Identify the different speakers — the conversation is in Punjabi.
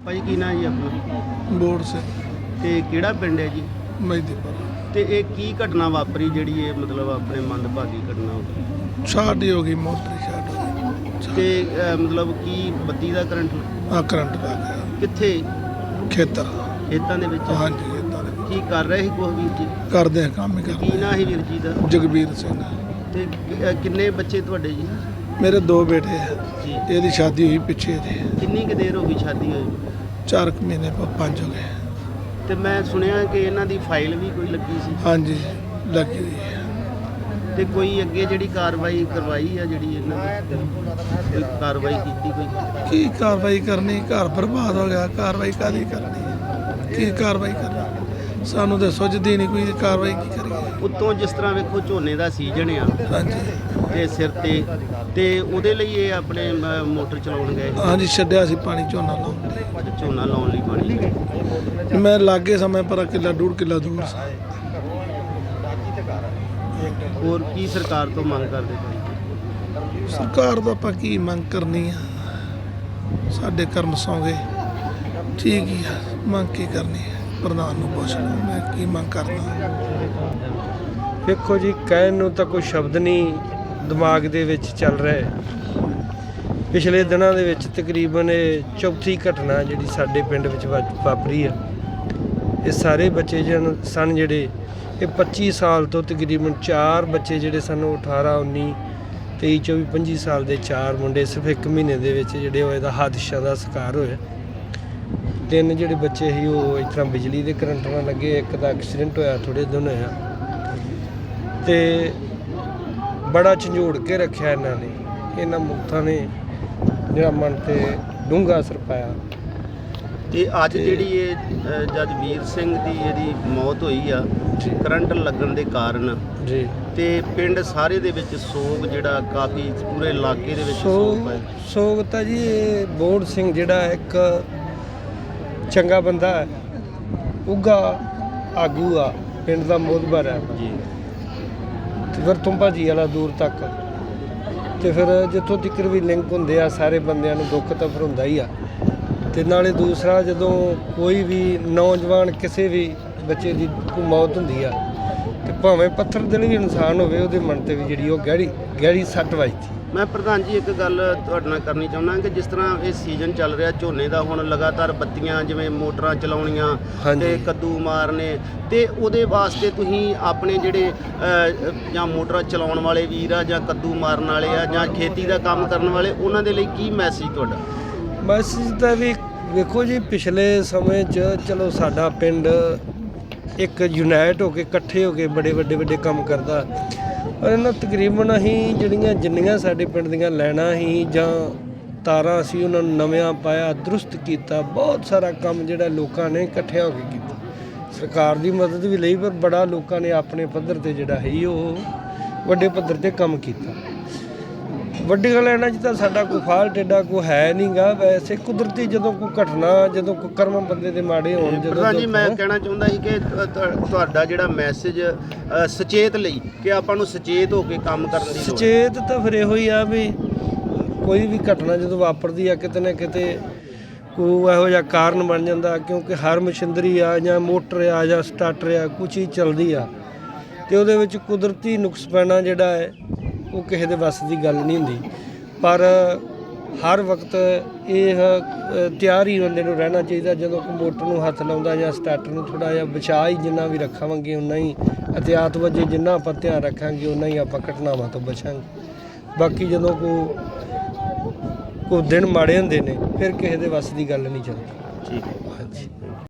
Speaker 1: ਭਾਈ ਕੀ ਨਾਂ ਜੀ ਆਪਣਾ?
Speaker 2: ਬੋੜ ਸਿੰਘ
Speaker 1: ਤੇ ਕਿਹੜਾ ਪਿੰਡ ਹੈ ਜੀ?
Speaker 2: ਮਹਿਦੀਪੁਰ।
Speaker 1: ਤੇ ਇਹ ਕੀ ਘਟਨਾ ਵਾਪਰੀ ਜਿਹੜੀ ਇਹ ਮਤਲਬ ਆਪਣੇ ਮੰਦਭਾਗੀ ਘਟਨਾ ਹੋ ਗਈ?
Speaker 2: ਛਾਟ ਹੀ ਹੋ ਗਈ, ਮੋਟਰ ਛਾਟ ਹੋ ਗਈ
Speaker 1: ਤੇ ਮਤਲਬ ਕੀ ਬੱਤੀ ਦਾ ਕਰੰਟ
Speaker 2: ਆ ਕਰੰਟ ਲੱਗ ਗਿਆ
Speaker 1: ਕਿੱਥੇ?
Speaker 2: ਖੇਤਰ।
Speaker 1: ਖੇਤਾਂ ਦੇ ਵਿੱਚ?
Speaker 2: ਹਾਂਜੀ ਖੇਤਾਂ ਦੇ ਵਿੱਚ।
Speaker 1: ਕੀ ਕਰ ਰਹੇ ਸੀ ਕੁਛ ਵੀਰ ਜੀ?
Speaker 2: ਕਰਦੇ ਆ ਕੰਮ ਹੀ
Speaker 1: ਕੀ
Speaker 2: ਕਰਦੇ।
Speaker 1: ਨਾਂ ਸੀ ਵੀਰ ਜੀ ਦਾ?
Speaker 2: ਜਗਬੀਰ ਸਿੰਘ।
Speaker 1: ਤੇ ਕਿੰਨੇ ਬੱਚੇ ਤੁਹਾਡੇ ਜੀ?
Speaker 2: ਮੇਰੇ 2 ਬੇਟੇ ਆ
Speaker 1: ਜੀ।
Speaker 2: ਇਹਦੀ ਸ਼ਾਦੀ ਹੋਈ ਪਿੱਛੇ ਦੇ
Speaker 1: ਕਿੰਨੀ ਕੁ ਦੇਰ ਹੋ ਗਈ ਸ਼ਾਦੀ ਹੋਈ?
Speaker 2: 4 ਮਹੀਨੇ 5 ਹੋ ਗਏ।
Speaker 1: ਤੇ ਮੈਂ ਸੁਣਿਆ ਕਿ ਇਹਨਾਂ ਦੀ ਫਾਈਲ ਵੀ ਕੋਈ ਲੱਗੀ ਸੀ।
Speaker 2: ਹਾਂਜੀ ਲੱਗੀ ਹੋਈ ਹੈ।
Speaker 1: ਤੇ ਕੋਈ ਅੱਗੇ ਜਿਹੜੀ ਕਾਰਵਾਈ ਕਰਵਾਈ ਆ ਜਿਹੜੀ ਇਹਨਾਂ ਦੀ ਕੋਈ ਕਾਰਵਾਈ ਕੀਤੀ ਕੋਈ?
Speaker 2: ਕੀ ਕਾਰਵਾਈ ਕਰਨੀ? ਘਰ ਬਰਬਾਦ ਹੋ ਗਿਆ, ਕਾਰਵਾਈ ਕਾਹਦੀ ਕਰਨੀ? ਕੀ ਕਾਰਵਾਈ ਕਰਨੀ? ਸਾਨੂੰ ਤਾਂ ਸੁੱਝਦੀ ਨਹੀਂ ਕੋਈ ਕਾਰਵਾਈ ਕੀ ਕਰੀਏ।
Speaker 1: ਉੱਤੋਂ ਜਿਸ ਤਰ੍ਹਾਂ ਵੇਖੋ ਝੋਨੇ ਦਾ ਸੀਜ਼ਨ ਆ
Speaker 2: ਹਾਂਜੀ
Speaker 1: ਤੇ ਸਿਰ ਤੇ ਉਹਦੇ ਲਈ ਇਹ ਆਪਣੇ ਮੋਟਰ ਚਲਾਉਣ ਗਏ ਸੀ।
Speaker 2: ਹਾਂਜੀ ਛੱਡਿਆ ਸੀ ਪਾਣੀ ਝੋਨਾ ਲਾਉਣ ਲਈ।
Speaker 1: ਝੋਨਾ ਲਾਉਣ ਲਈ ਪਾਣੀ।
Speaker 2: ਮੈਂ ਲਾਗੇ ਸਮਾਂ ਪਰ ਕਿੱਲਾ 1.5 ਕਿੱਲਾ ਦੂਰ ਸੀ।
Speaker 1: ਹੋਰ ਕੀ ਸਰਕਾਰ ਤੋਂ ਮੰਗ ਕਰਦੇ ਭਾਈ?
Speaker 2: ਸਰਕਾਰ ਤੋਂ ਆਪਾਂ ਕੀ ਮੰਗ ਕਰਨੀ ਆ? ਸਾਡੇ ਕਰਮ ਸੌਂਗੇ ਠੀਕ ਹੀ ਆ। ਮੰਗ ਕੀ ਕਰਨੀ ਹੈ? ਪ੍ਰਧਾਨ ਨੂੰ ਪੁੱਛ ਲਓ ਮੈਂ ਕੀ ਮੰਗ ਕਰਦਾ।
Speaker 3: ਵੇਖੋ ਜੀ, ਕਹਿਣ ਨੂੰ ਤਾਂ ਕੋਈ ਸ਼ਬਦ ਨਹੀਂ ਦਿਮਾਗ ਦੇ ਵਿੱਚ ਚੱਲ ਰਿਹਾ। ਪਿਛਲੇ ਦਿਨਾਂ ਦੇ ਵਿੱਚ ਤਕਰੀਬਨ ਇਹ ਚੌਥੀ ਘਟਨਾ ਜਿਹੜੀ ਸਾਡੇ ਪਿੰਡ ਵਿੱਚ ਵਾਪਰੀ ਆ। ਇਹ ਸਾਰੇ ਬੱਚੇ ਸਨ ਜਿਹੜੇ ਇਹ 25 ਸਾਲ ਤੋਂ ਤਕਰੀਬਨ 4 ਬੱਚੇ ਜਿਹੜੇ ਸਾਨੂੰ 18, 19, 23, 24, 25 ਸਾਲ ਦੇ 4 ਮੁੰਡੇ ਸਿਰਫ 1 ਮਹੀਨੇ ਦੇ ਵਿੱਚ ਜਿਹੜੇ ਹੋਏ ਦਾ ਹਾਦਸਾ ਦਾ ਸ਼ਿਕਾਰ ਹੋਏ। 3 ਜਿਹੜੇ ਬੱਚੇ ਸੀ ਉਹ ਇਸ ਤਰ੍ਹਾਂ ਬਿਜਲੀ ਦੇ ਕਰੰਟ ਨਾਲ ਲੱਗੇ। ਇੱਕ ਦਾ ਐਕਸੀਡੈਂਟ ਹੋਇਆ ਥੋੜ੍ਹੇ ਦਿਨ ਹੋਇਆ। ਤੇ ਬੜਾ ਝੰਜੋੜ ਕੇ ਰੱਖਿਆ ਇਹਨਾਂ ਨੇ। ਇਹਨਾਂ ਮੁਕਤਾਂ ਨੇ ਜਿਹੜਾ ਮਨ 'ਤੇ ਡੂੰਘਾ ਅਸਰ ਪਾਇਆ।
Speaker 1: ਤੇ ਅੱਜ ਜਿਹੜੀ ਇਹ ਜੱਜ ਵੀਰ ਸਿੰਘ ਦੀ ਇਹਦੀ ਮੌਤ ਹੋਈ ਆ ਕਰੰਟ ਲੱਗਣ ਦੇ ਕਾਰਨ
Speaker 3: ਜੀ,
Speaker 1: ਤੇ ਪਿੰਡ ਸਾਰੇ ਦੇ ਵਿੱਚ ਸੋਗ ਜਿਹੜਾ ਕਾਫੀ ਪੂਰੇ ਇਲਾਕੇ ਦੇ ਵਿੱਚ ਸੋਗ ਹੈ।
Speaker 3: ਸੋਗ ਤਾਂ ਜੀ ਇਹ ਬੋੜ ਸਿੰਘ ਜਿਹੜਾ ਇੱਕ ਚੰਗਾ ਬੰਦਾ ਹੈ, ਉੱਘਾ ਆਗੂ ਆ, ਪਿੰਡ ਦਾ ਮੋਹਤਬਰ ਹੈ
Speaker 1: ਜੀ।
Speaker 3: ਤੇ ਫਿਰ ਤੁੰਬਾ ਜੀ ਵਾਲਾ ਦੂਰ ਤੱਕ। ਤੇ ਫਿਰ ਜਿੱਥੋਂ ਤੱਕ ਵੀ ਲਿੰਕ ਹੁੰਦੇ ਆ ਸਾਰੇ ਬੰਦਿਆਂ ਨੂੰ ਦੁੱਖ ਤਾਂ ਫਿਰ ਹੁੰਦਾ ਹੀ ਆ। ਤੇ ਨਾਲੇ ਦੂਸਰਾ ਜਦੋਂ ਕੋਈ ਵੀ ਨੌਜਵਾਨ ਕਿਸੇ ਵੀ ਬੱਚੇ ਦੀ ਕੋਈ ਮੌਤ ਹੁੰਦੀ ਆ ਤੇ ਭਾਵੇਂ ਪੱਥਰ ਦਿਲ ਵੀ ਇਨਸਾਨ ਹੋਵੇ ਉਹਦੇ ਮਨ 'ਤੇ ਵੀ ਜਿਹੜੀ ਉਹ ਗਹਿਰੀ ਸੱਟ ਵੱਜਦੀ।
Speaker 1: ਮੈਂ ਪ੍ਰਧਾਨ ਜੀ ਇੱਕ ਗੱਲ ਤੁਹਾਡੇ ਨਾਲ ਕਰਨੀ ਚਾਹੁੰਦਾ ਕਿ ਜਿਸ ਤਰ੍ਹਾਂ ਇਹ ਸੀਜ਼ਨ ਚੱਲ ਰਿਹਾ ਝੋਨੇ ਦਾ, ਹੁਣ ਲਗਾਤਾਰ ਬੱਤੀਆਂ ਜਿਵੇਂ ਮੋਟਰਾਂ ਚਲਾਉਣੀਆਂ ਤੇ ਕੱਦੂ ਮਾਰਨੇ, ਤੇ ਉਹਦੇ ਵਾਸਤੇ ਤੁਸੀਂ ਆਪਣੇ ਜਿਹੜੇ ਜਾਂ ਮੋਟਰਾਂ ਚਲਾਉਣ ਵਾਲੇ ਵੀਰ ਆ ਜਾਂ ਕੱਦੂ ਮਾਰਨ ਵਾਲੇ ਆ ਜਾਂ ਖੇਤੀ ਦਾ ਕੰਮ ਕਰਨ ਵਾਲੇ, ਉਹਨਾਂ ਦੇ ਲਈ ਕੀ ਮੈਸੇਜ ਤੁਹਾਡਾ?
Speaker 3: ਮੈਸੇਜ ਤਾਂ ਵੀ ਵੇਖੋ ਜੀ, ਪਿਛਲੇ ਸਮੇਂ 'ਚ ਚਲੋ ਸਾਡਾ ਪਿੰਡ ਇੱਕ ਯੂਨਾਈਟ ਹੋ ਕੇ ਇਕੱਠੇ ਹੋ ਕੇ ਬੜੇ ਵੱਡੇ ਕੰਮ ਕਰਦਾ। ਪਰ ਇਹਨਾਂ ਤਕਰੀਬਨ ਅਸੀਂ ਜਿੰਨੀਆਂ ਸਾਡੇ ਪਿੰਡ ਦੀਆਂ ਲਾਈਨਾਂ ਸੀ ਜਾਂ ਤਾਰਾਂ ਸੀ ਉਹਨਾਂ ਨੂੰ ਨਵਿਆਂ ਪਾਇਆ, ਦਰੁਸਤ ਕੀਤਾ। ਬਹੁਤ ਸਾਰਾ ਕੰਮ ਜਿਹੜਾ ਲੋਕਾਂ ਨੇ ਇਕੱਠਿਆਂ ਹੋ ਕੇ ਕੀਤਾ। ਸਰਕਾਰ ਦੀ ਮਦਦ ਵੀ ਲਈ, ਪਰ ਬੜਾ ਲੋਕਾਂ ਨੇ ਆਪਣੇ ਪੱਧਰ 'ਤੇ ਜਿਹੜਾ ਹੈ ਉਹ ਵੱਡੇ ਪੱਧਰ 'ਤੇ ਕੰਮ ਕੀਤਾ। ਵੱਡੀਆਂ ਲਾਈਨਾਂ 'ਚ ਤਾਂ ਸਾਡਾ ਕੋਈ ਫਾਲਟ ਏਡਾ ਕੋਈ ਹੈ ਨਹੀਂ ਗਾ। ਵੈਸੇ ਕੁਦਰਤੀ ਜਦੋਂ ਕੋਈ ਘਟਨਾ, ਜਦੋਂ ਕੋਈ ਕਰਮ ਬੰਦੇ ਦੇ ਮਾੜੇ ਹੋਣ, ਜਦੋਂ
Speaker 1: ਜੀ ਮੈਂ ਕਹਿਣਾ ਚਾਹੁੰਦਾ ਸੀ ਕਿ ਤੁਹਾਡਾ ਜਿਹੜਾ ਮੈਸੇਜ ਸੁਚੇਤ ਲਈ ਕਿ ਆਪਾਂ ਨੂੰ ਸੁਚੇਤ ਹੋ ਕੇ ਕੰਮ ਕਰਨ ਦੀ ਲੋੜ।
Speaker 3: ਸੁਚੇਤ ਤਾਂ ਫਿਰ ਇਹੋ ਹੀ ਆ ਵੀ ਕੋਈ ਵੀ ਘਟਨਾ ਜਦੋਂ ਵਾਪਰਦੀ ਆ ਕਿਤੇ ਨਾ ਕਿਤੇ ਕੋਈ ਇਹੋ ਜਿਹਾ ਕਾਰਨ ਬਣ ਜਾਂਦਾ, ਕਿਉਂਕਿ ਹਰ ਮਸ਼ੀਨਰੀ ਆ ਜਾਂ ਮੋਟਰ ਆ ਜਾਂ ਸਟਾਰਟਰ ਆ, ਕੁਛ ਹੀ ਚੱਲਦੀ ਆ ਤੇ ਉਹਦੇ ਵਿੱਚ ਕੁਦਰਤੀ ਨੁਕਸ ਪੈਣਾ ਜਿਹੜਾ ਹੈ ਉਹ ਕਿਸੇ ਦੇ ਵੱਸ ਦੀ ਗੱਲ ਨਹੀਂ ਹੁੰਦੀ। ਪਰ ਹਰ ਵਕਤ ਇਹ ਤਿਆਰ ਹੀ ਬੰਦੇ ਨੂੰ ਰਹਿਣਾ ਚਾਹੀਦਾ। ਜਦੋਂ ਕੋਈ ਮੋਟਰ ਨੂੰ ਹੱਥ ਲਾਉਂਦਾ ਜਾਂ ਸਟਾਰਟਰ ਨੂੰ ਥੋੜ੍ਹਾ ਜਿਹਾ ਬਚਾਅ ਹੀ ਜਿੰਨਾ ਵੀ ਰੱਖਾਂਗੇ ਉਨਾ ਹੀ ਅਹਤਿਆਤ ਵਜੇ ਜਿੰਨਾ ਆਪਾਂ ਧਿਆਨ ਰੱਖਾਂਗੇ ਉਨਾ ਹੀ ਆਪਾਂ ਘਟਨਾਵਾਂ ਤੋਂ ਬਚਾਂਗੇ। ਬਾਕੀ ਜਦੋਂ ਕੋਈ ਦਿਨ ਮਾੜੇ ਹੁੰਦੇ ਨੇ ਫਿਰ ਕਿਸੇ ਦੇ ਵੱਸ ਦੀ ਗੱਲ ਨਹੀਂ ਚੱਲਦੀ।
Speaker 1: ਠੀਕ ਹੈ।